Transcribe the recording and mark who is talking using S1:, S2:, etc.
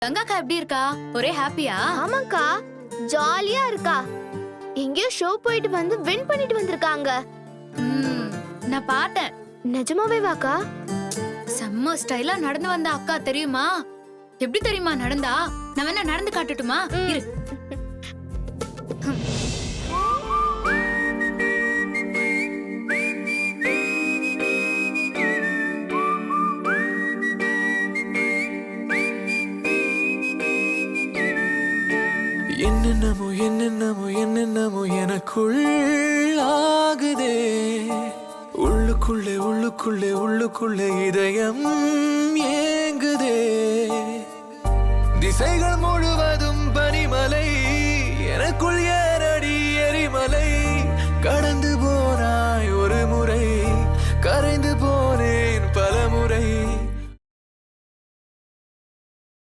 S1: கங்காக்கா எப்படி இருக்கா? ஒரே ஹாப்பியா?
S2: ஆமாக்கா, ஜாலியா இருக்கா. எங்கேயோ ஷோ போயிட்டு வந்து வின் பண்ணிட்டு வந்திருக்காங்க.
S1: நான் பார்த்தேன்.
S2: நிஜமாவே வாக்கா?
S1: செம்ம ஸ்டைலா நடந்து வந்த அக்கா தெரியுமா? எப்படி தெரியுமா நடந்தா? நான் வேணா நடந்து காட்டட்டுமா? இரு.
S3: என்னென்னமோ என்னென்னமோ என்னென்னமோ எனக்குள் ஆகுதே. உள்ளுக்குள்ளே உள்ளுக்குள்ளே உள்ளுக்குள்ளே இதயம் ஏங்குதே. திசைகள் முழு